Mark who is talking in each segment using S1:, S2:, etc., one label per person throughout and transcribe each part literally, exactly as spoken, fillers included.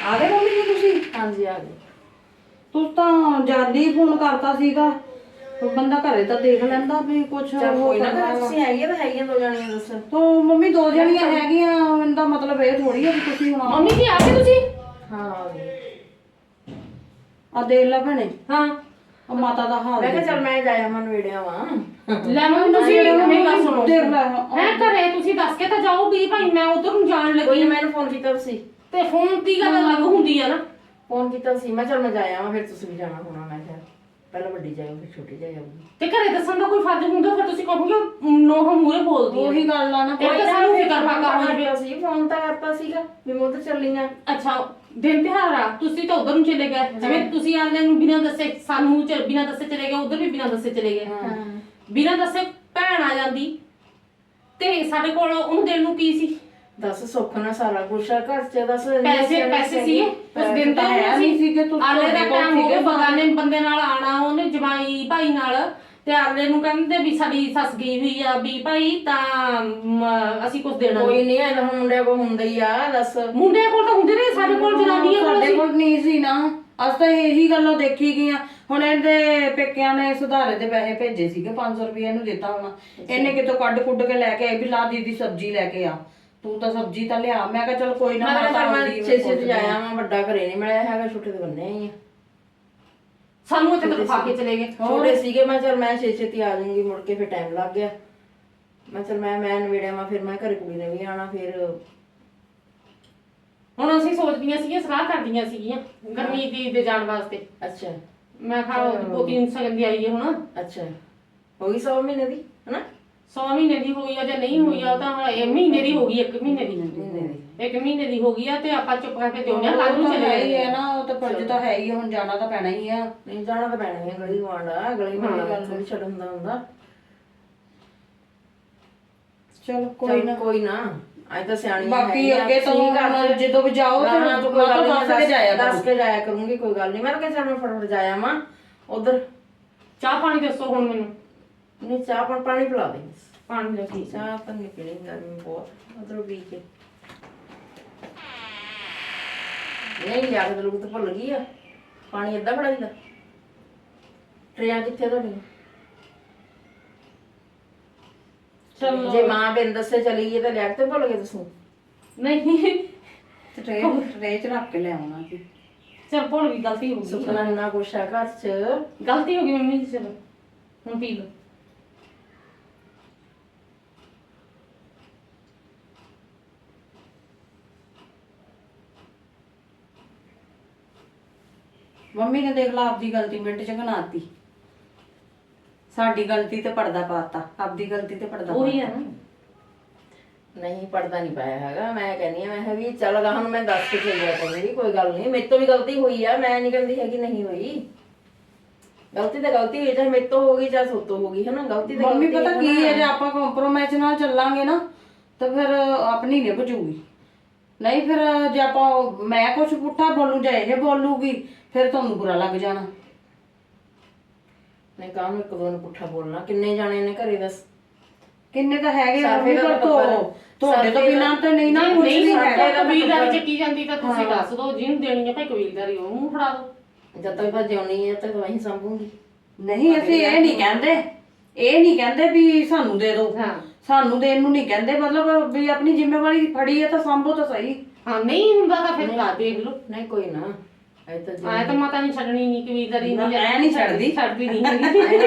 S1: ਆ ਗਏ ਮੰਮੀ ਜੀ ਤੁਸੀਂ?
S2: ਹਾਂਜੀ ਆ ਗਏ।
S1: ਤੁਸੀਂ ਤਾਂ ਜਲਦੀ ਫੋਨ ਕਰਤਾ ਸੀਗਾ, ਬੰਦਾ ਘਰੇ ਤਾਂ ਦੇਖ ਲੈਂਦਾ ਵੀ ਕੁਛ
S2: ਚੱਲ
S1: ਉਹ
S2: ਕੋਈ ਨਾ
S1: ਕਰਨਾ ਵਾ।
S2: ਤੁਸੀਂ ਹੈਗੀਆਂ ਤਾਂ ਹੈਗੀਆਂ ਦੋ ਜਾਣੀਆਂ ਦੱਸ।
S1: ਤੋ ਮੰਮੀ ਦੋ ਜਣੀਆਂ ਹੈਗੀਆਂ, ਇਹਦਾ ਮਤਲਬ ਇਹ ਥੋੜੀ ਆ ਵੀ ਤੁਸੀਂ ਹੁਣ
S3: ਮੰਮੀ ਜੀ ਆ ਗਏ ਤੁਸੀਂ?
S2: ਹਾਂ ਆ ਗਏ।
S1: ਆ ਦੇਖ ਲੈ ਭੈਣੇ,
S3: ਹਾਂ
S1: ਆ ਮਾਤਾ ਦਾ ਹਾਲ
S2: ਮੈਂ ਕਿਹਾ
S1: ਦੇਖ।
S2: ਚੱਲ ਮੈਂ ਜਾਇਆ ਮਨ ਵੇੜਿਆ ਵਾਂ।
S3: ਲੈ ਮੰਮੀ ਤੁਸੀਂ ਮੇਰੀ ਗੱਲ ਸੁਣੋ।
S1: ਦੇਖ ਲੈ
S3: ਹੈ ਘਰੇ ਤੁਸੀਂ ਦੱਸ ਕੇ ਤਾਂ ਜਾਓ ਵੀ ਭਾਈ ਮੈਂ ਉਧਰ ਨੂੰ ਜਾਣ
S2: ਕੋਈ
S3: ਲੱਗੀ।
S2: ਨੀ, ਮੈਨੂੰ ਫੋਨ ਕੀਤਾ ਤੁਸੀਂ।
S3: ਤੇ ਫੋਨ ਦੀ ਗੱਲ ਅਲੱਗ ਹੁੰਦੀ ਆ ਨਾ।
S2: ਫੋਨ ਕੀਤਾ ਸੀ, ਮੈਂ ਚੱਲ ਮੈਂ ਜਾਇਆ ਵਾਂ, ਫਿਰ ਤੁਸੀਂ ਵੀ ਜਾਣਾ ਹੋਣਾ। ਮੈਂ ਕਿਹਾ ਪਹਿਲਾਂ ਵੱਡੀ ਜਾਇਓ ਫਿਰ ਛੋਟੀ ਜਾਇਓਗੀ।
S3: ਤੇ ਘਰੇ ਦੱਸਣ ਦਾ ਕੋਈ ਫਰਜ਼ ਹੁੰਦਾ, ਫਿਰ ਤੁਸੀਂ ਕਹੋਗੇ ਨੋਹ ਮੂਰੇ ਬੋਲਦੀ ਆ।
S1: ਉਹੀ ਗੱਲ ਆ ਨਾ।
S3: ਇਹ ਤਾਂ ਸਾਨੂੰ ਫਿਕਰ ਫਾਕਾ ਹੋਈ
S2: ਕੀਤਾ ਸੀ, ਫੋਨ ਤਾਂ ਕਰਤਾ ਸੀਗਾ ਵੀ ਮੈਂ ਉਧਰ ਚੱਲੀ ਆ।
S3: ਅੱਛਾ ਦਿਨ ਤਿਉਹਾਰ ਆ, ਤੁਸੀਂ ਤਾਂ ਉਧਰ ਨੂੰ ਚਲੇ ਗਏ। ਜਿਵੇਂ ਤੁਸੀਂ ਆਲੇ ਨੂੰ ਬਿਨਾਂ ਦੱਸੇ ਸਾਨੂੰ ਬਿਨਾਂ ਦੱਸੇ ਚਲੇ ਗਏ, ਉਧਰ ਵੀ ਬਿਨਾਂ ਦੱਸੇ ਚਲੇ ਗਏ। ਬਿਨਾਂ ਦੱਸੇ ਭੈਣ ਆ ਜਾਂਦੀ ਤੇ ਸਾਡੇ ਕੋਲ ਉਹਨੂੰ ਦੇਣ ਨੂੰ ਕੀ ਸੀ?
S2: ਦੱਸ ਸੁੱਖ ਨਾਲ ਸਾਰਾ ਕੁਛ ਆ ਘਰ ਚ। ਦੱਸ
S3: ਪੈਸੇ ਪੈਸੇ ਸੀਗੇ ਉਸ ਦਿਨ ਤਾਂ
S1: ਹੈ ਨਹੀਂ ਸੀਗੇ, ਤੁਸੀਂ
S3: ਆਲੇ ਦਾ
S1: ਤੁਹਾਡੇ ਕੋਲ
S3: ਟਾਈਮ ਹੋ ਗਿਆ,
S1: ਸੀਗੇ।
S3: ਬਗਾਨੇ ਬੰਦੇ ਨਾਲ ਆਣਾ, ਉਹਨੇ ਜਮਾਈ ਭਾਈ ਨਾਲ, ਤੇ ਆਲੇ ਨੂੰ ਕਹਿੰਦੇ ਵੀ ਸਾਡੀ ਸੱਸ ਗਈ ਹੋਈ ਆ ਵੀ ਭਾਈ ਤਾਂ ਮ, ਅਸੀਂ ਕੁਝ ਦੇਣਾ
S2: ਕੋਈ
S3: ਨਹੀਂ।
S2: ਨਹੀਂ ਐ ਤਾਂ ਹੁਣ ਮੁੰਡਿਆਂ ਕੋਲ ਹੁੰਦਾ ਹੀ ਆ। ਦੱਸ
S3: ਮੁੰਡਿਆਂ ਕੋਲ ਤਾਂ ਹੁੰਦੇ ਨੇ, ਸਾਡੇ ਕੋਲ ਜਨਾਨੀਆਂ ਕੋਲ
S1: ਸਾਡੇ
S3: ਸੀ।
S1: ਕੋਲ ਨਹੀਂ ਸੀ ਨਾ। ਅਸ ਤਾਂ ਇਹੀ ਗੱਲਾਂ ਦੇਖੀ ਗਈਆਂ। ਹੁਣ ਇਹਦੇ ਪੇਕਿਆਂ ਨੇ ਸੁਧਾਰੇ ਦੇ ਪੈਸੇ ਭੇਜੇ ਸੀਗੇ, ਪੰਜ ਸੌ ਰੁਪਏ ਇਹਨੂੰ ਦਿੱਤਾ ਹੋਣਾ। ਇਹਨੇ ਕਿਤੋਂ ਕੱਢ ਕੁੱਢ ਕੇ ਲੈ ਕੇ ਆਈ ਵੀ ਲਾ ਦੀਦੀ ਸਬਜ਼ੀ ਲੈ ਕੇ ਆ, ਤੂੰ ਤਾਂ ਸਬਜ਼ੀ ਤਾਂ ਲਿਆ। ਮੈਂ ਕਿਹਾ ਚਲ ਕੋਈ ਨਾ,
S2: ਮੈਂ
S1: ਮਾਤਾ
S2: ਤਾਂ
S1: ਆਉਂਦੀ
S2: ਛੇ ਛੇ ਤੇ ਜਾਇਆ ਵਾਂ, ਵੱਡਾ ਘਰੇ ਨਹੀਂ ਮਿਲਿਆ ਹੈਗਾ, ਛੋਟੇ ਤੇ ਬੰਨੇ ਹੀ ਆ।
S3: ਸਾਨੂੰ ਇੱਥੇ ਤੱਕ ਖਾ ਕੇ ਚਲੇ ਗਏ।
S2: ਛੋਟੇ ਸੀਗੇ, ਮੈਂ ਚਲ ਮੈਂ ਛੇ ਛੇਤੀ ਆ ਜਾਊਂਗੀ, ਮੁੜ ਕੇ ਫਿਰ ਟਾਈਮ ਲੱਗ ਗਿਆ। ਮੈਂ ਚਲ ਮੈਂ ਮੈਂ ਨਵੇੜਿਆ ਵਾਂ, ਫਿਰ ਮੈਂ ਘਰੇ ਕੁੜੀ ਨੇ ਵੀ ਆਣਾ। ਫਿਰ
S3: ਹੁਣ ਅਸੀਂ ਸੋਚਦੀਆਂ ਸੀਗੀਆਂ, ਸਲਾਹ ਕਰਦੀਆਂ ਸੀਗੀਆਂ ਗਰਮੀ ਦੀ ਦੇ ਜਾਣ ਵਾਸਤੇ।
S2: ਅੱਛਾ
S3: ਮੈਂ ਕਿਹਾ ਉਹਦੀ ਪੋਤੀ ਨੂੰ ਸਗਨ ਦੀ ਆਈ ਹੈ ਹੁਣ।
S2: ਅੱਛਾ ਹੋ ਗਈ ਸੌ ਮਹੀਨੇ ਦੀ ਹਨਾ?
S3: ਸੌ ਮਹੀਨੇ ਦੀ ਹੋਈ ਆ ਜਾਂ ਨਹੀਂ ਹੋਈ ਆ, ਉਹ ਤਾਂ ਇਹ ਮਹੀਨੇ ਦੀ ਹੋ ਗਈ, ਇੱਕ ਮਹੀਨੇ ਦੀ
S2: ਮਹੀਨੇ ਦੀ।
S3: ਇੱਕ ਮਹੀਨੇ ਦੀ ਹੋ ਗਈ ਆ। ਤੇ ਆਪਾਂ ਚੁੱਪ ਕਰਕੇ ਦਿਉਂਦੇ ਆ, ਕੱਲ ਨੂੰ ਚਲੇ
S1: ਹੈ ਹੀ
S3: ਗਏ
S1: ਹੈ ਨਾ, ਉਹ ਤਾਂ ਫਰਜ਼ ਤਾਂ ਹੈ ਹੀ ਆ, ਹੁਣ ਜਾਣਾ ਤਾਂ ਪੈਣਾ ਹੀ ਆ।
S2: ਨਹੀਂ ਜਾਣਾ ਤਾਂ ਪੈਣਾ ਹੀ ਆ, ਗਲੀ ਗਵਾਂਡ ਆ, ਗਲੀ ਮਾੜੀ ਗੱਲ ਥੋੜੀ ਛੱਡ ਹੁੰਦਾ ਹੁੰਦਾ।
S1: ਚਲ ਕੋਈ ਨਾ,
S2: ਕੋਈ ਨਾ, ਅੱਜ ਤਾਂ ਸਿਆਣੀ
S1: ਬਾਕੀ ਅੱਗੇ ਤੋਂ ਜਦੋਂ ਵੀ ਜਾਓ ਤਾਂ ਦੱਸ ਕੇ ਜਾਇਆ ਕਰੋ।
S2: ਦੱਸ ਕੇ ਜਾਇਆ ਕਰੂੰਗੀ, ਕੋਈ ਗੱਲ ਨਹੀਂ। ਮੈਂ ਕਿਹਾ ਚੱਲ ਮੈਂ ਫਟਾਫਟ ਜਾਇਆ ਵਾਂ ਉਧਰ।
S3: ਚਾਹ ਪਾਣੀ ਦੱਸੋ ਹੁਣ ਮੈਨੂੰ।
S2: ਨਹੀਂ ਚਾਹ ਪਾਣੀ ਪਾਣੀ ਪਿਲਾ ਦੇ।
S3: ਪਾਣੀ ਲੈ ਕੇ
S2: ਚਾਹ ਤਾਂ ਨਹੀਂ ਪੀਣੀ, ਗਰਮੀ ਬਹੁਤ। ਉਧਰੋਂ ਪੀ ਕੇ ਨਹੀਂ ਲਿਆ ਕੇ ਲੋਕ ਤਾਂ ਭੁੱਲ ਗਈ ਆ। ਪਾਣੀ ਏਦਾਂ ਬੜਾ ਦਿੰਦਾ। ਟਰੇਆਂ ਕਿੱਥੇ ਤੁਹਾਡੀਆਂ?
S3: ਚਲੋ
S2: ਜੇ ਮਾਂ ਬਿਨ ਦੱਸੇ ਚਲੀ ਗਈ ਤਾਂ ਲਿਆ ਕੇ ਭੁੱਲ ਗਏ ਤੁਸੀਂ?
S3: ਨਹੀਂ
S1: ਟਰੇ ਟਰੇ ਚ ਰੱਖ ਕੇ ਲਿਆਉਣਾ ਸੀ।
S3: ਚਲ ਭੁੱਲ ਗਈ, ਗਲਤੀ ਹੋ ਗਈ।
S2: ਸੁਪਨਾ ਇੰਨਾ ਕੁਛ ਆ ਘਰ ਚ।
S3: ਗਲਤੀ ਹੋ ਗਈ ਮੰਮੀ ਜੀ, ਚਲੋ ਹੁਣ ਪੀ ਲਓ।
S1: ਮੰਮੀ ਨੇ ਦੇਖ ਲਾ ਆਪਦੀ ਗਲਤੀ ਮਿੰਟ ਚ ਘਨਾਤੀ। ਸਾਡੀ ਗਲਤੀ ਤੇ ਪਰਦਾ ਪਾਤਾ, ਆਪਦੀ ਗਲਤੀ ਤੇ ਪਰਦਾ
S3: ਉਹੀ ਆ ਨਾ।
S2: ਨਹੀਂ ਪੜਦਾ ਨਹੀਂ ਪਾਇਆ ਹੈਗਾ। ਮੈਂ ਕਹਿੰਦੀ ਆ, ਮੈਂ ਕਿਹਾ ਵੀ ਚੱਲ ਗਾ ਹੁਣ ਮੈਂ ਦੱਸ ਕੇ ਚੱਲਿਆ ਕਰੂੰਗੀ, ਕੋਈ ਗੱਲ ਨਹੀਂ। ਮੇਰੇ ਤੋਂ ਵੀ ਗਲਤੀ ਹੋਈ ਆ, ਮੈਂ ਨਹੀਂ ਕਹਿੰਦੀ ਹੈਗੀ ਨਹੀਂ ਹੋਈ। ਗਲਤੀ ਤਾਂ ਗਲਤੀ ਹੋਈ, ਚਾਹੇ ਮੇਰੇ ਤੋਂ ਹੋ ਗਈ ਚਾਹੇ ਸੋਤੋਂ ਹੋ ਗਈ, ਹੈ ਨਾ। ਗਲਤੀ ਤਾਂ
S1: ਮੰਮੀ
S2: ਗਲਤੀ
S1: ਪਤਾ ਕੀ ਹੈ, ਜੇ ਆਪਾਂ ਕੰਪਰੋਮਾਈਜ਼ ਨਾਲ ਚੱਲਾਂਗੇ ਨਾ ਤਾਂ ਫਿਰ ਆਪਣੀ ਨਹੀਂ ਬਚੂਗੀ। ਨਹੀਂ ਫਿਰ ਜੇ ਆਪਾਂ ਮੈਂ ਕੁਝ ਪੁੱਠਾ ਬੋਲੂ ਜਾਂ ਇਹ ਬੋਲੂਗੀ, ਫਿਰ ਤੁਹਾਨੂੰ ਬੁਰਾ ਲੱਗ ਜਾਣਾ।
S2: ਨਹੀਂ ਕਾਹਨੂੰ ਇੱਕ ਦੋ ਨੂੰ ਪੁੱਠਾ ਬੋਲਣਾ? ਕਿੰਨੇ ਜਾਣੇ ਨੇ ਘਰੇ? ਦੱਸ
S1: ਕਿੰਨੇ ਤਾਂ ਹੈਗੇ ਆ
S2: ਸਰਫੇ
S1: ਮੰਮੀ,
S2: ਦਾ
S1: ਪਰ
S2: ਤਾਂ
S1: ਤੋਂ ਤੁਹਾਡੇ ਤੋਂ ਬਿਨਾਂ ਤਾਂ ਨਹੀਂ ਨਾ ਕੁਝ
S3: ਨਹੀਂ
S1: ਵੀ
S3: ਸਾਡੇ
S1: ਹੈਗਾ।
S3: ਕਬੀਲਦਾਰੀ ਚੱਕੀ ਜਾਂਦੀ ਤਾਂ ਤੁਸੀਂ ਦੱਸ ਦਿਓ, ਜਿਹਨੂੰ ਦੇਣੀ ਹੈ ਭਾਈ ਕਬੀਲਦਾਰੀ ਉਹ ਮੂੰਹ ਫੜਾ ਦਿਓ।
S2: ਜਦ ਤੱਕ ਭੱਜ ਆਉਣੀ ਹੈ ਤੱਕ ਵਹੀਂ ਸੰਭੂਗੀ।
S1: ਨਹੀਂ ਅਸੀਂ ਇਹ ਨਹੀਂ ਕਹਿੰਦੇ, ਇਹ ਨਹੀਂ ਕਹਿੰਦੇ ਵੀ ਸਾਨੂੰ ਦੇ ਦਿਓ।
S3: ਹਾਂ
S1: ਸਾਨੂੰ ਦੇਣ ਨੂੰ ਨਹੀਂ ਕਹਿੰਦੇ, ਮਤਲਬ ਵੀ ਆਪਣੀ ਜ਼ਿੰਮੇਵਾਰੀ ਫੜੀ ਹੈ ਤਾਂ ਸੰਭੋ ਤਾਂ ਸਹੀ।
S3: ਹਾਂ ਨਹੀਂ ਹੁੰਦਾ ਤਾਂ ਫਿਰ ਲਾ ਦੇਖ ਲਓ।
S2: ਨਹੀਂ ਕੋਈ ਨਾ, ਐ ਤਾਂ ਜੀ
S3: ਆਏ ਤਾਂ ਮਾਤਾ ਨਹੀਂ ਛੱਡਣੀ ਨਹੀਂ ਕਬੀਲਦਾਰੀ
S1: ਨਾ,
S3: ਨਹੀਂ
S1: ਮੈਂ ਨਹੀਂ ਛੱਡਦੀ।
S3: ਛੱਡਦੀ ਨਹੀਂ ਹੈਗੀ।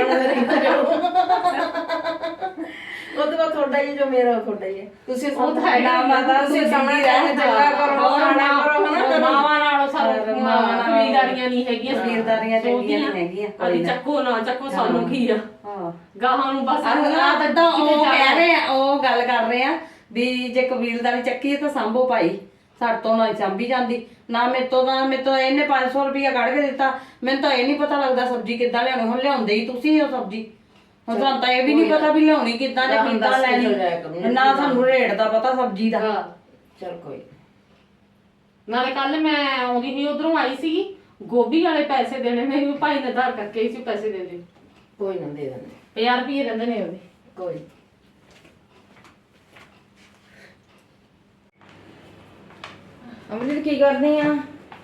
S2: ਉਹ ਤਾਂ ਬਸ ਤੁਹਾਡਾ ਹੀ ਜੋ ਮੇਰਾ ਤੁਹਾਡਾ ਹੀ ਹੈ। ਤੁਸੀਂ
S3: ਉਹ ਤਾਂ ਹੈ
S1: ਨਾ ਮਾਤਾ
S2: ਤੁਸੀਂ
S1: ਤੁਸੀਂ
S2: ਸਾਹਮਣੇ
S1: ਰਹਿ
S2: ਚੰਗਾ ਕਰੋ, ਸਾਡਾ ਕਰੋ, ਹਨਾ।
S3: ਮਾਵਾਂ ਨਾਲੋਂ ਸਾਰਾ
S1: ਮਾਵਾਂ ਨਾਲੋਂ
S3: ਕਬੀਲਦਾਰੀਆਂ ਨਹੀਂ ਹੈਗੀਆਂ।
S1: ਕਬੀਲਦਾਰੀਆਂ ਚੰਗੀਆਂ ਨਹੀਂ ਹੈਗੀਆਂ।
S3: ਅਜੀ ਚੱਕੋ ਨਾ ਚੱਕੋ, ਸਾਨੂੰ ਕੀ ਆ
S1: ਹਾਂ
S3: ਗਾਹਾਂ ਨੂੰ ਬਸ
S1: ਆਹ ਤਾਂ ਉਹ ਕਹਿ ਰਹੇ ਆ, ਉਹ ਗੱਲ ਕਰ ਰਹੇ ਆ ਵੀ ਜੇ ਕਬੀਲਦਾਰੀ ਚੱਕੀ ਹੈ ਤਾਂ ਸੰਭੋ ਭਾਈ। ਸਾਡੇ ਤੋਂ ਨਾ ਸੰਭੀ ਜਾਂਦੀ ਨਾ, ਮੇਰੇ ਤੋਂ ਨਾ ਮੇਰੇ ਤੋਂ ਇਹਨੇ ਪੰਜ ਸੌ ਰੁਪਇਆ ਕੱਢ ਕੇ ਦਿੱਤਾ। ਮੈਨੂੰ ਤਾਂ ਇਹ ਨਹੀਂ ਪਤਾ ਲੱਗਦਾ ਸਬਜ਼ੀ ਕਿੱਦਾਂ ਲਿਆਉਣੀ। ਹੁਣ ਲਿਆਉਂਦੇ ਹੀ ਤੁਸੀਂ ਹੋ ਸਬਜ਼ੀ, ਹੁਣ ਤੁਹਾਨੂੰ ਤਾਂ ਇਹ ਵੀ ਨਹੀਂ ਪਤਾ ਵੀ ਲਿਆਉਣੀ ਕਿੱਦਾਂ ਜਾਂ ਕਿੱਦਾਂ ਲੈਣੀ। ਨਾ ਸਾਨੂੰ ਰੇਟ ਦਾ ਪਤਾ ਸਬਜ਼ੀ ਦਾ।
S2: ਚਲ ਕੋਈ
S3: ਨਾਲੇ ਕੱਲ ਮੈਂ ਆਉਂਦੀ ਸੀ ਉਧਰੋਂ ਆਈ ਸੀਗੀ, ਗੋਭੀ ਵਾਲੇ ਪੈਸੇ ਦੇਣੇ ਨੇ, ਭਾਈ ਨੇ ਧਾਰ ਕਰਕੇ ਸੀ ਪੈਸੇ ਦੇ ਦੇ।
S2: ਕੋਈ ਨਾ ਦੇ ਦਿੰਦੇ,
S3: ਪੰਜਾਹ ਰੁਪਏ ਰਹਿੰਦੇ ਨੇ ਉਹਦੇ।
S2: ਕੋਈ ਅਮਰੀਤ ਕੀ ਕਰਦੀ ਆ?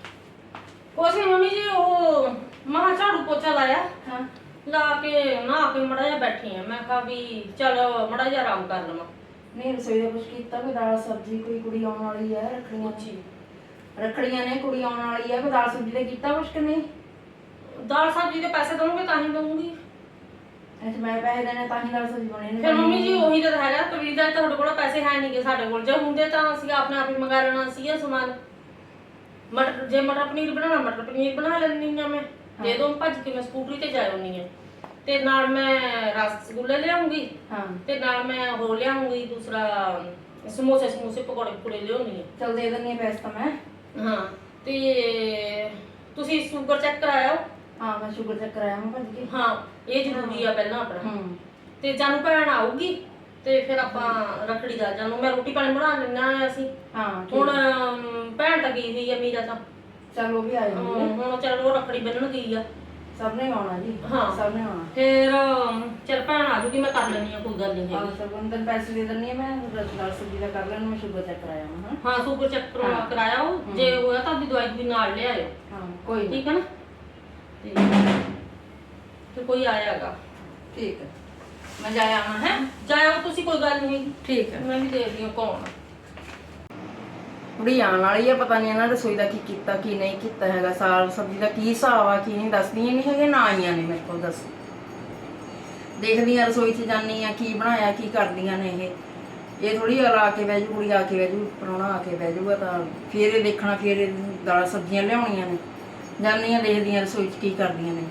S3: ਕੁਛ ਨੀ ਮੰਮੀ ਜੀ, ਉਹ ਮਹਾ ਝਾੜੂ ਪੋਚਾ ਲਾਇਆ,
S2: ਹਾਂ
S3: ਲਾ ਕੇ ਨਹਾ ਕੇ ਮੜਾ ਜਿਹਾ ਬੈਠੀ ਆ। ਮੈਂ ਕਿਹਾ ਵੀ ਚਲ ਮੜਾ ਜਿਹਾ ਆਰਾਮ ਕਰ ਲਵਾਂ।
S2: ਨਹੀਂ ਰਸੋਈ ਦਾ ਕੁਛ ਕੀਤਾ, ਕੋਈ ਦਾਲ ਸਬਜ਼ੀ, ਕੋਈ ਕੁੜੀ ਆਉਣ ਵਾਲੀ ਹੈ, ਰੱਖੜੀਆਂ
S3: ਜੀ
S2: ਰੱਖੜੀਆਂ ਨੇ, ਕੁੜੀ ਆਉਣ ਵਾਲੀ ਹੈ, ਕੋਈ ਦਾਲ ਸਬਜ਼ੀ ਦਾ ਕੀਤਾ ਕੁਛ ਕਿ ਨਹੀਂ?
S3: ਦਾਲ ਸਬਜ਼ੀ ਦੇ ਪੈਸੇ ਦਊਂਗੇ ਤਾਂ ਹੀ ਦਊਂਗੀ।
S2: ਅੱਛਾ ਮੈਂ ਪੈਸੇ ਦੇਣੇ ਤਾਂ ਹੀ ਦਾਲ ਸਬਜ਼ੀ ਬਣੀ ਨਹੀਂ?
S3: ਫਿਰ ਮੰਮੀ ਜੀ ਉਹੀ ਤਾਂ ਹੈਗਾ, ਕਬੀਰ ਦਾ ਤੁਹਾਡੇ ਕੋਲ ਪੈਸੇ ਹੈ ਨਹੀਂਗੇ, ਸਾਡੇ ਕੋਲ ਜੇ ਹੁੰਦੇ ਤਾਂ ਅਸੀਂ ਆਪਣੇ ਆਪ ਹੀ ਮੰਗਾ ਲੈਣਾ ਸੀਗਾ ਸਮਾਨ। ਮਟਰ ਜੇ ਮਟਰ ਪਨੀਰ ਬਣਾਉਣਾ ਮਟਰ ਪਨੀਰ ਬਣਾ ਲੈਂਦੀ ਆ ਮੈਂ, ਦੇ ਦੋ ਭੱਜ ਕੇ ਮੈਂ ਸਕੂਟਰੀ ਤੇ ਜਾ ਆਉਂਦੀ ਆ। ਤੇ ਨਾਲ ਮੈਂ ਰਸਗੁੱਲੇ ਲਿਆਉਂਗੀ,
S2: ਹਾਂ
S3: ਤੇ ਨਾਲ ਮੈਂ ਉਹ ਲਿਆਉਂਗੀ ਦੂਸਰਾ ਸਮੋਸੇ ਸਮੋਸੇ ਪਕੌੜੇ ਪਕੌੜੇ ਲਿਆਉਣੀ ਆ।
S2: ਚਲ ਦੇ ਦਿੰਦੀ ਹਾਂ ਪੈਸੇ ਤਾਂ ਮੈਂ।
S3: ਹਾਂ ਤੇ ਤੁਸੀਂ ਸ਼ੂਗਰ ਚੈੱਕ ਕਰਾਇਓ।
S2: ਹਾਂ ਮੈਂ ਸ਼ੂਗਰ ਚੈੱਕ ਕਰਾਇਆ ਮੈਂ ਭੱਜ ਕੇ।
S3: ਹਾਂ ਇਹ ਜ਼ਰੂਰੀ ਆ ਪਹਿਲਾਂ ਆਪਣਾ।
S2: ਹੂੰ
S3: ਤੇ ਜਾਨੂੰ ਭੈਣ ਆਊਗੀ ਤੇ ਫਿਰ ਆਪਾਂ ਰੱਖੜੀ ਦਾ ਜਾਨੂੰ ਮੈਂ ਰੋਟੀ ਪਾਣੀ ਬਣਾ ਲੈਣਾ ਆ ਅਸੀਂ।
S2: ਹਾਂ
S3: ਹੁਣ ਅਮ, ਭੈਣ ਤਾਂ ਗਈ ਹੋਈ ਆ ਮੀਰਾ ਤਾਂ।
S2: ਚਲ ਉਹ ਵੀ ਆ ਜਾਂਦੀ ਹੈ।
S3: ਅਮ, ਹੁਣ ਚੱਲ ਉਹ ਰੱਖੜੀ ਬੰਨਣ ਗਈ ਆ।
S2: ਸਭ ਨੇ ਆਉਣਾ ਜੀ।
S3: ਹਾਂ।
S2: ਸਭ ਨੇ ਆਉਣਾ।
S3: ਫਿਰ ਅਮ, ਚੱਲ ਭੈਣ ਆ ਜੂਗੀ, ਮੈਂ ਕਰ ਲੈਣੀ ਆ, ਕੋਈ ਗੱਲ ਨਹੀਂ
S2: ਹਾਂ
S3: ਹੈਗੀ।
S2: ਸਭ ਨੂੰ ਤੈਨੂੰ ਪੈਸੇ ਦੇ ਦਿੰਦੀ ਹਾਂ ਮੈਂ, ਦਾਲ ਸਬਜ਼ੀ ਦਾ ਕਰ ਲੈਣਾ, ਮੈਂ ਸ਼ੂਗਰ ਚੈੱਕ ਕਰਾਇਆ ਮੈਂ। ਹਾਂ
S3: ਹਾਂ ਸ਼ੂਗਰ ਚੈੱਕ ਕਰਵਾ
S2: ਹਾਂ।
S3: ਕਰਾਇਆ ਉਹ, ਜੇ ਹੋਇਆ ਤਾਂ ਆਪਣੀ ਦਵਾਈ ਵੀ ਨਾਲ ਲਿਆਇਓ।
S2: ਹਾਂ ਕੋਈ ਨਹੀਂ।
S3: ਠੀਕ ਹੈ ਨਾ? ਤੇ ਤੇ ਕੋਈ ਆਇਆਗਾ।
S2: ਠੀਕ ਹੈ ਮੈਂ ਜਾ ਆਵਾਂ ਹੈ।
S3: ਜਾਇਓ ਤੁਸੀਂ, ਕੋਈ ਗੱਲ ਨਹੀਂ।
S2: ਠੀਕ ਹੈ।
S3: ਮੈਂ ਵੀ ਦੇਖਦੀ ਹਾਂ ਕੌਣ ਆ।
S2: ਕੁੜੀ ਆਉਣ ਵਾਲੀ ਹੈ, ਪਤਾ ਨਹੀਂ ਇਹਨਾਂ ਰਸੋਈ ਦਾ ਕੀ ਕੀਤਾ ਕੀ ਨਹੀਂ ਕੀਤਾ ਹੈਗਾ, ਸਾਗ ਸਬਜ਼ੀ ਦਾ ਕੀ ਹਿਸਾਬ ਆ ਕੀ ਨਹੀਂ, ਦੱਸਦੀਆਂ ਨਹੀਂ ਹੈਗੇ ਨਾ, ਆਈਆਂ ਨੇ ਮੇਰੇ ਕੋਲ ਦੱਸ। ਦੇਖਦੀ ਆ ਰਸੋਈ 'ਚ ਜਾਂਦੀ ਆ ਕੀ ਬਣਾਇਆ ਕੀ ਕਰਦੀਆਂ ਨੇ ਇਹ ਇਹ ਥੋੜੀ ਆ ਕੇ ਬਹਿ ਜੂ, ਕੁੜੀ ਆ ਕੇ ਬਹਿ ਜੂ, ਪ੍ਰਾਹੁਣਾ ਆ ਕੇ ਬਹਿ ਜੂਗਾ ਤਾਂ ਫਿਰ ਇਹ ਦੇਖਣਾ, ਫਿਰ ਇਹ ਦਾਲ ਸਬਜ਼ੀਆਂ ਲਿਆਉਣੀਆਂ ਨੇ। ਜਾਂਦੀ ਆ ਦੇਖਦੀ ਆ ਰਸੋਈ 'ਚ ਕੀ ਕਰਦੀਆਂ ਨੇ।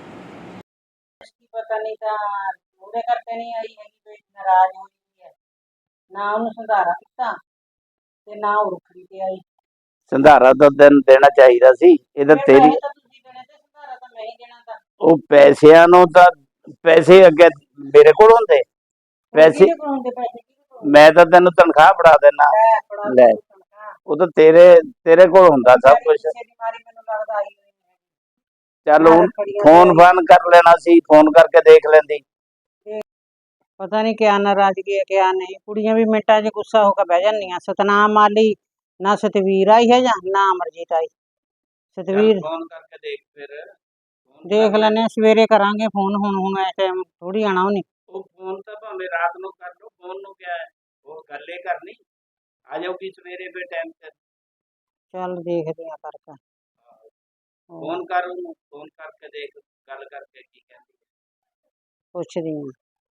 S4: ਪਤਾ ਨਹੀਂ ਤਾਂ ਉਹਦੇ ਕਰਕੇ ਨਹੀਂ ਆਈ ਹੈਗੀ, ਕੋਈ ਨਾਰਾਜ਼ ਹੋਈ ਹੈ, ਨਾ ਉਹਨੂੰ ਸੰਧਾਰਾ ਕੀਤਾ ਤੇ ਨਾ ਉਹ ਰੱਖੜੀ ਤੇ ਆਈ।
S5: ਸੰਧਾਰਾ ਤਾਂ ਦਿਨ ਦੇਣਾ ਚਾਹੀਦਾ ਸੀ। ਇਹਦਾ
S4: ਫਿਰ
S5: ਤੇਰੀ
S4: ਪੈਸੇ ਤਾਂ ਤੁਸੀਂ ਦੇਣੇ ਤੇ ਸੰਧਾਰਾ ਤਾਂ ਮੈਂ ਹੀ ਦੇਣਾ ਤਾਂ।
S5: ਉਹ ਪੈਸਿਆਂ ਨੂੰ ਤਾਂ ਪੈਸੇ ਅੱਗੇ ਮੇਰੇ ਕੋਲ ਹੁੰਦੇ ਪੈਸੇ,
S4: ਕਿਹਦੇ ਕੋਲ ਹੁੰਦੇ ਪੈਸੇ, ਕਿਹਦੇ ਕੋਲ ਹੁੰਦੇ?
S5: ਮੈਂ ਤਾਂ ਤੈਨੂੰ ਤਨਖਾਹ ਫੜਾ ਦੇਣਾ।
S4: ਲੈ ਫੜਾ
S5: ਲੈ
S4: ਦਿਓ ਤਨਖਾਹ।
S5: ਉਹ ਤਾਂ ਤੇਰੇ ਤੇਰੇ ਕੋਲ ਹੁੰਦਾ ਸਭ
S4: ਮੇਰੀ
S5: ਕੁਝ।
S4: ਪਿੱਛੇ ਦੀ ਮਾਰੀ ਮੈਨੂੰ ਲੱਗਦਾ ਆਈ ਹੋਈ ਹੈ।
S5: ਚੱਲ
S4: ਮੈਂ
S5: ਹੁਣ
S4: ਰੱਖੜੀਆਂ
S5: ਫੋਨ
S4: ਤੇ ਆਈ।
S5: ਫਾਨ ਕਰ ਲੈਣਾ ਸੀ, ਫੋਨ ਕਰਕੇ ਦੇਖ ਲੈਂਦੀ।
S4: ਪਤਾ ਨਹੀਂ ਕਿਆ ਨਾਰਾਜ਼ਗੀ ਹੈ ਕਿਆ ਨਹੀਂ, ਕੁੜੀਆਂ ਵੀ ਮਿੰਟਾਂ 'ਚ ਗੁੱਸਾ ਹੋ ਕੇ ਬਹਿ ਜਾਂਦੀਆਂ। ਸਤਨਾਮ ਵਾਲੀ ਨਾ ਸਤਵੀਰ ਆਈ ਹੈ ਜਾਂ ਨਾ ਅਮਰਜੀਤ ਆਈ। ਸਤਵੀਰ
S5: ਫੋਨ ਕਰਕੇ ਦੇਖ ਫਿਰ।
S4: ਦੇਖ ਲੈਣੇ ਸਵੇਰੇ ਕਰਾਂਗੇ ਫੋਨ, ਹੁਣ ਹੁਣ ਇਸ ਟਾਈਮ ਥੋੜੀ ਆਣਾ ਉਹਨੇ।
S5: ਉਹ ਫੋਨ ਤਾਂ ਭਾਵੇਂ ਰਾਤ ਨੂੰ ਕਰ ਲਓ, ਫੋਨ ਨੂੰ ਕਿਆ ਹੈ, ਉਹ ਗੱਲ ਹੀ ਕਰਨੀ। ਆ ਜਾਊਗੀ ਸਵੇਰੇ ਫਿਰ ਟਾਈਮ ਤੇ।
S4: ਚੱਲ ਦੇਖਦੇ ਆ ਕਰਕੇ।
S5: ਫੋਨ ਕਰ ਉਹਨੂੰ, ਫੋਨ ਕਰਕੇ ਦੇਖ, ਗੱਲ ਕਰਕੇ ਕੀ ਕਹਿੰਦੀ ਹੈ।
S4: ਪੁੱਛਦੀ ਹਾਂ।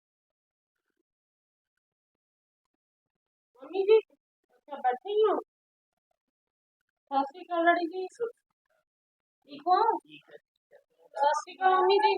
S3: ਮੰਮੀ ਜੀ ਅੱਛਾ ਬੈਠੇ ਹੀ ਹੋ? ਸਤਿ ਸ਼੍ਰੀ ਅਕਾਲ ਲੜੀ ਜੀ। ਠੀਕ ਹੋ? ਸਤਿ ਸ਼੍ਰੀ ਅਕਾਲ ਮੰਮੀ ਜੀ।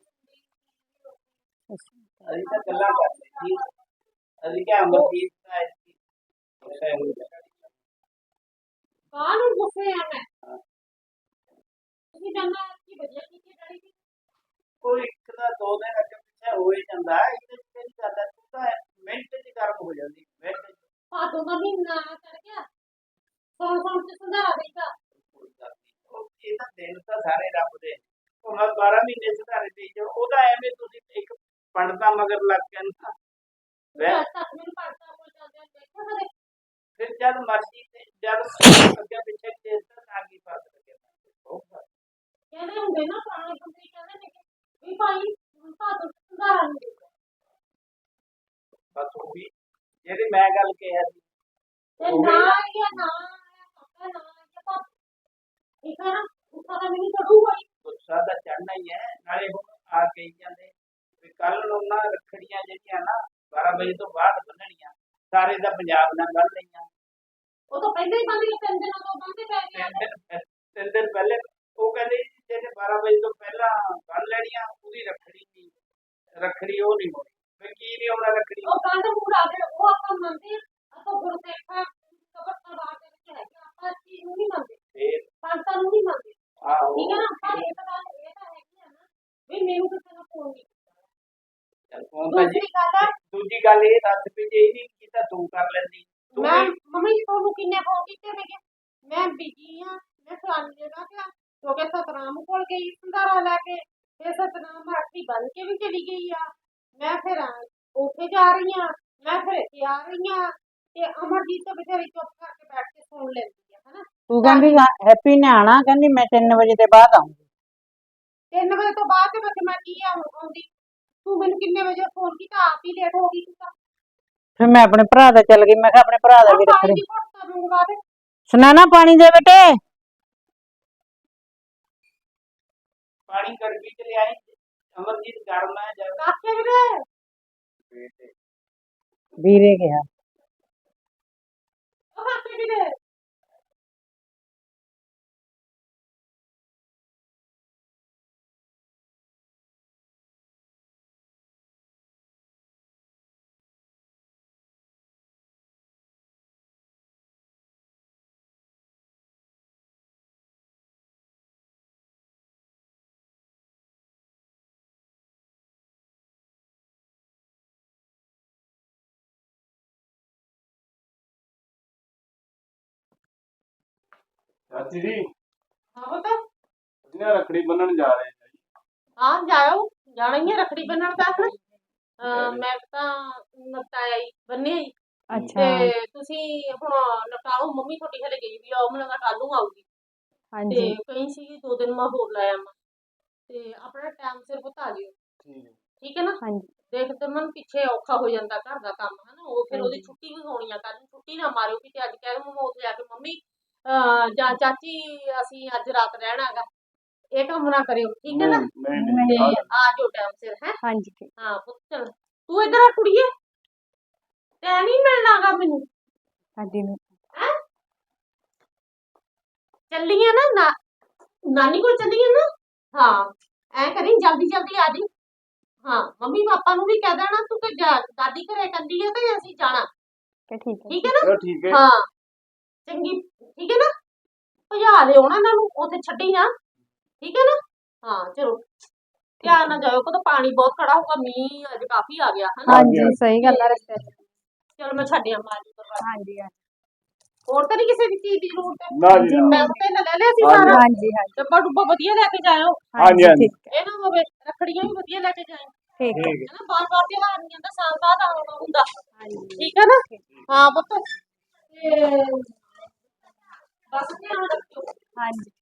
S5: ਅਸੀਂ ਤਾਂ ਗੱਲਾਂ ਕਰਦੇ ਸੀ, ਅਸੀਂ ਕਿਹਾ ਅਮਰਜੀਤ ਦਾ ਐਸੀ ਗੁੱਸਾ ਹੋ ਗਿਆ।
S3: ਕਾਹਨੂੰ ਗੁੱਸੇ ਆ ਮੈਂ? ਤੁਸੀਂ ਜਾਨਾ ਕੀ ਵਧੀਆ ਕੀਤੀ ਲੜੀ ਜੀ।
S5: ਕੋਈ ਇੱਕ ਦਾ ਦੋ ਦਿਨ ਅੱਗੇ ਪਿੱਛੇ ਹੋ ਹੀ ਜਾਂਦਾ ਹੈ, ਇਹਦੇ ਵਿੱਚ ਕਿਹੜੀ ਗੱਲ ਹੈ? ਤੂੰ ਤਾਂ ਮਿੰਟ 'ਚ ਗਰਮ ਹੋ ਜਾਂਦੀ, ਮਿੰਟ 'ਚ।
S3: ਭਾਦੋਂ ਦਾ ਮਹੀਨਾ ਚੜ ਗਿਆ, ਸੌਣ ਸੌਣ ਚ ਸੰਧਾਰਾ ਦੇਤਾ।
S5: ਕੋਈ ਗੱਲ ਨੀ, ਉਹ ਇਹ ਤਾਂ ਦਿਨ ਤਾਂ ਸਾਰੇ ਰੱਬ ਦੇ। ਉਹ ਮੈਂ ਬਾਰਾਂ ਮਹੀਨੇ ਸੁਧਾਰੇ ਦੇ ਜਾਓ, ਉਹਦਾ ਐਵੇਂ ਤੁਸੀਂ ਇੱਕ ਪੰਡਤਾਂ ਮਗਰ ਲੱਗ ਕੇ ਨਾ ਵੈ-
S3: ਅੱਜ ਤੱਕ ਮੈਨੂੰ ਪੜਤਾ ਕੋਲ ਚੱਲਦਿਆਂ ਦੇਖਿਆ ਕਦੇ?
S5: ਫਿਰ ਜਦ ਮਰਜ਼ੀ ਤੇ ਜਦ ਅੱਗੇ ਪਿੱਛੇ ਕੇਸ ਤਾਂ ਤਾਂ ਕੀ ਫਰਕ ਲੱਗਿਆ।
S3: ਕਹਿੰਦੇ ਹੁੰਦੇ ਨਾ ਪੁਰਾਣੇ ਬੰਦੇ ਕਹਿੰਦੇ ਨੇ ਕਿ ਵੀ ਭਾਈ ਭਾਦੋਂ ਚ ਸੰਧਾਰਾ ਨਹੀਂ ਦੇਤਾ।
S5: ਬਸ ਉਹ ਵੀ ਜਿਹੜੀ ਮੈਂ ਗੱਲ ਕਿਹਾ ਸੀ
S3: ਤੇ
S5: ਉਹ
S3: ਨਾ
S5: ਵੀ ਨਾ-
S3: ਆਇਆ ਨਾ ਆਇਆ ਪੱਕਾ ਨਾ ਆਇਆ ਪਾ ਠੀਕ ਹੈ ਨਾ, ਗੁੱਸਾ ਤਾਂ ਮੈਨੂੰ ਚੜੂਗਾ ਹੀ।
S5: ਗੁੱਸਾ ਤਾਂ ਚੜਨਾ ਹੀ ਹੈ। ਨਾਲੇ ਹੁਣ ਆ ਕਹੀ ਜਾਂਦੇ ਵੀ ਕੱਲ ਨੂੰ ਨਾ ਰੱਖੜੀਆਂ ਜਿਹੜੀਆਂ ਨਾ ਬਾਰਾਂ ਵਜੇ ਤੋਂ ਬਾਅਦ ਬੰਨਣੀਆਂ, ਸਾਰੇ ਦਾ ਪੰਜਾਬ ਨਾਲ ਬੰਨ ਲਈਆਂ।
S3: ਉਹ ਤਾਂ ਪਹਿਲਾਂ ਹੀ ਬੰਦ ਕੇ ਤਿੰਨ ਦਿਨਾਂ ਤੋਂ ਬੰਦੇ ਪੈ
S5: ਤਿੰਨ
S3: ਗਏ।
S5: ਦਿਨ ਤਿੰਨ ਦਿਨ ਪਹਿਲੇ ਉਹ ਕਹਿੰਦੇ ਜੀ ਜਿਹਨੇ ਬਾਰਾਂ ਵਜੇ ਤੋਂ ਪਹਿਲਾਂ ਬੰਨ ਲੈਣੀਆਂ ਉਹਦੀ ਰੱਖੜੀ ਨਹੀਂ, ਰੱਖੜੀ ਉਹ ਨਹੀਂ ਹੋਣੀ। ਫਿਰ ਕੀ ਨਹੀਂ ਹੋਣਾ ਰੱਖੜੀ?
S3: ਉਹ ਕੰਧ ਮੂੜ ਆ ਗਏ, ਉਹ ਆਪਾਂ ਮੰਨਦੇ ਆ। ਆਪਾਂ ਗੁਰਦੇਖਾਂ ਕਬਰ ਪਰਿਵਾਰ ਦੇ ਵਿੱਚ ਹੈਗੇ, ਆਪਾਂ ਇਸ ਚੀਜ਼ ਨੂੰ ਨਹੀਂ ਮੰਨਦੇ,
S5: ਫਿਰ
S3: ਸੰਤਾਂ ਨੂੰ ਨਹੀਂ ਮੰਨਦੇ।
S5: ਆਹੋ
S3: ਠੀਕ ਹੈ ਨਾ, ਪਰ ਇਹ ਤਾਂ ਗੱਲ ਇਹ ਤਾਂ ਹੈਗੀ ਆ ਨਾ ਵੀ ਮੈਨੂੰ ਕਿਸੇ ਨੂੰ ਫੋਨ ਨਹੀਂ ਕੀਤਾ।
S5: ਚੱਲ ਫੋਨ ਤਾਂ ਜੀ
S3: ਦੂਸਰੀ ਗੱਲ ਹੈ,
S5: ਦੂਜੀ ਗੱਲ ਇਹ ਦੱਸ ਵੀ ਜੇ ਇਹ ਨਹੀਂ ਕੀਤਾ ਤੂੰ ਕਰ ਲੈਂਦੀ। ਤੂੰ
S3: ਮੈਂ
S5: ਵੀ
S3: ਮੰਮੀ ਜੀ ਤੁਹਾਨੂੰ ਕਿੰਨੇ ਫੋਨ ਕੀਤੇ ਨੇਗੇ? ਮੈਂ ਬਿਜੀ ਹਾਂ, ਮੈਂ ਫਲਾਣੀ ਜਗ੍ਹਾ ਤੇ ਆ, ਕਿਉਂਕਿ ਸਤਨਾਮ ਕੋਲ ਗਈ ਸੰਧਾਰਾ ਲੈ ਕੇ, ਫਿਰ ਸਤਨਾਮ ਰਾਤੀ ਬੰਨ ਕੇ ਵੀ ਚਲੀ ਗਈ ਆ। ਮੈਂ ਫਿਰ ਉੱਥੇ ਜਾ ਰਹੀ ਹਾਂ, ਮੈਂ ਫਿਰ ਇੱਥੇ ਆ ਰਹੀ ਹਾਂ, ਤੇ ਅਮਰਜੀਤ ਤਾਂ ਬੇਚਾਰੀ ਚੁੱਪ ਕਰਕੇ ਬੈਠ ਕੇ ਸੁਣ ਲੈਂਦੀ ਆ, ਹਨਾ।
S4: ਤੂੰ ਕਹਿੰਦੀ ਹੈਪੀ ਨੇ ਆਣਾ, ਕਹਿੰਦੀ ਮੈਂ ਤਿੰਨ ਵਜੇ ਦੇ ਬਾਅਦ ਆਉਂਗੀ।
S3: ਤਿੰਨ ਵਜੇ ਤੋਂ ਬਾਅਦ ਤੇ ਫਿਰ ਮੈਂ ਕੀ ਆ ਆਉਂਦੀ? ਤੂੰ ਮੈਨੂੰ ਕਿੰਨੇ ਵਜੇ ਫੋਨ ਕੀਤਾ? ਆਪ ਹੀ ਲੇਟ ਹੋ ਗਈ ਤੂੰ ਤਾਂ।
S4: ਫਿਰ ਮੈਂ ਆਪਣੇ ਭਰਾ ਦਾ ਚੱਲ ਗਈ, ਮੈਂ ਕਿਹਾ ਆਪਣੇ ਭਰਾ ਦਾ ਵੀ
S3: ਆਹ ਪਾਣੀ
S4: ਰੱਖੜੀ।
S3: ਦੀ ਘੁੱਟ ਤਾਂ ਮੰਗਵਾ ਦੇ।
S4: ਸੁਨੈਣਾ ਪਾਣੀ ਦੇ ਬੇਟੇ।
S5: ਪਾਣੀ ਗੜਬੀ ਚ ਲਿਆਈ ਅਮਰਜੀਤ ਗਰਮ ਹੈ ਜਦ
S3: ਕਾਕੇ ਵੀਰੇ
S4: ਵੀਰੇ ਕਿਹਾ।
S3: ਉਹ ਕਾਕੇ ਵੀਰੇ
S5: ਚਾਚੀ ਜੀ
S3: ਹਾਂ ਬਤਾ
S5: ਇਹਨਾਂ ਰੱਖੜੀ ਬੰਨਣ ਜਾ ਰਹੇ ਹਾਂ ਜੀ।
S3: ਹਾਂ ਜਾਓ, ਜਾਣਾ ਹੀ ਹੈ ਰੱਖੜੀ ਬੰਨਣ ਤਾਂ ਫਿਰ। ਅਹ ਮੈਂ ਤਾਂ ਨਪਟਾਇਆ ਹੀ ਬੰਨਿਆ ਹੀ। ਤੇ ਤੁਸੀਂ ਹੁਣ ਨਪਟਾਓ, ਮੰਮੀ ਤੁਹਾਡੀ ਹਲੇ ਗਈ ਵੀ ਆ, ਉਹ ਮੈਨੂੰ ਕੱਲ ਨੂੰ ਆਊਗੀ। ਤੇ ਕਹੀਂ ਸੀ ਦੋ ਦਿਨ ਮੈਂ ਹੋਰ ਲਾਇਆ ਮੈਂ, ਤੇ ਆਪਣਾ ਟਾਈਮ ਸਿਰ ਪੁੱਤ ਆ ਜਿਓ। ਠੀਕ ਹੈ ਨਾ? ਦੇਖ ਤੇ ਮਨ ਪਿੱਛੇ ਔਖਾ ਹੋ ਜਾਂਦਾ ਘਰ ਦਾ ਕੰਮ, ਹਨਾ? ਉਹ ਫਿਰ ਉਹਦੀ ਛੁੱਟੀ ਵੀ ਹੋਣੀ ਆ, ਕੱਲ ਛੁੱਟੀ ਨਾ ਮਾਰਿਓ ਕਿਤੇ ਅੱਜ ਕਹਿ ਮੈਂ ਉੱਥੇ ਜਾ ਕੇ ਮੰਮੀ ਅਹ ਜਾਂ ਚਾਚੀ ਅਸੀਂ ਅੱਜ ਰਾਤ ਰਹਿਣਾਗਾ, ਇਹ ਕੰਮ ਨਾ ਕਰਿਓ। ਠੀਕ ਹੈ ਨਾ? ਤੇ ਆ ਜਾਓ ਟਾਈਮ ਸਿਰ। ਹੈ ਹਾਂਜੀ ਹਾਂ ਪੁੱਤ। ਚੱਲ ਤੂੰ ਇੱਧਰ ਆ ਕੁੜੀਏ, ਤੈ ਨਹੀਂ ਮਿਲਣਾਗਾ ਮੈਨੂੰ। ਹਾਂਜੀ ਹੈ ਚੱਲੀਏ ਨਾ, ਨਾ ਨਾਨੀ ਕੋਲ ਚੱਲੀਏ ਨਾ। ਹਾਂ ਐ ਕਰੀ ਜਲਦੀ ਜਲਦੀ ਆ ਜੀ। ਹਾਂ ਮੰਮੀ ਪਾਪਾ ਨੂੰ ਵੀ ਕਹਿ ਦੇਣਾ ਤੂੰ ਕਿ ਦਾਦੀ ਘਰੇ ਕੱਲੀ ਆ ਤੇ ਅਸੀਂ ਜਾਣਾ। ਠੀਕ ਹੈ ਠੀਕ ਹੈ ਨਾ?
S5: ਠੀਕ ਹੈ
S3: ਹਾਂ ਚੰਗੀ, ਠੀਕ ਹੈ ਨਾ? ਭਜਾ ਲਿਓ ਨਾ ਇਹਨਾਂ ਨੂੰ, ਉੱਥੇ ਛੱਡੀ ਨਾ। ਠੀਕ ਹੈ ਨਾ? ਹਾਂ ਚਲੋ ਧਿਆਨ ਨਾਲ ਜਾਇਓ, ਕਦੋਂ ਪਾਣੀ ਬਹੁਤ ਖੜਾ ਹੋਊਗਾ, ਮੀਂਹ ਅੱਜ ਕਾਫੀ ਆ ਗਿਆ ਹਨਾ?
S5: ਹਾਂਜੀ
S6: ਸਹੀ ਗੱਲ ਆ ਰਸਤੇ ਚ।
S3: ਚਲੋ ਮੈਂ ਛੱਡਿਆ ਮਾਰੀ ਕਰਵਾ।
S6: ਹਾਂਜੀ
S3: ਹੋਰ ਤਾਂ ਨਹੀਂ ਕਿਸੇ ਦੀ ਚੀਜ਼ ਦੀ ਜ਼ਰੂਰਤ?
S5: ਨਾ ਜੀ ਨਾ।
S3: ਮੈਂ ਤੇ ਲੈ ਲਿਆ ਸੀ
S5: ਹਾਂਜੀ,
S3: ਸਾਰਾ।
S6: ਹਾਂਜੀ ਹਾਂਜੀ
S3: ਡੱਬਾ ਡੁੱਬਾ ਵਧੀਆ ਲੈ ਕੇ ਜਾਇਓ।
S5: ਹਾਂਜੀ ਹਾਂਜੀ
S6: ਠੀਕ
S3: ਇਹ ਨਾ ਹੋਵੇ ਰੱਖੜੀਆਂ ਵੀ ਵਧੀਆ ਲੈ ਕੇ ਜਾਇਓ।
S6: ਠੀਕ ਹੈ।
S5: ਠੀਕ ਹੈ।
S3: ਹਨਾ ਬਾਰ ਬਾਰ ਤਿਉਹਾਰ ਨਹੀਂ ਆਉਂਦਾ, ਸਾਲ ਬਾਅਦ ਆਉਣਾ ਹੁੰਦਾ। ਠੀਕ ਹੈ ਨਾ? ਹਾਂ ਪੁੱਤ ਤੇ ਬਸ ਧਿਆਨ ਰੱਖਿਓ।
S6: ਹਾਂਜੀ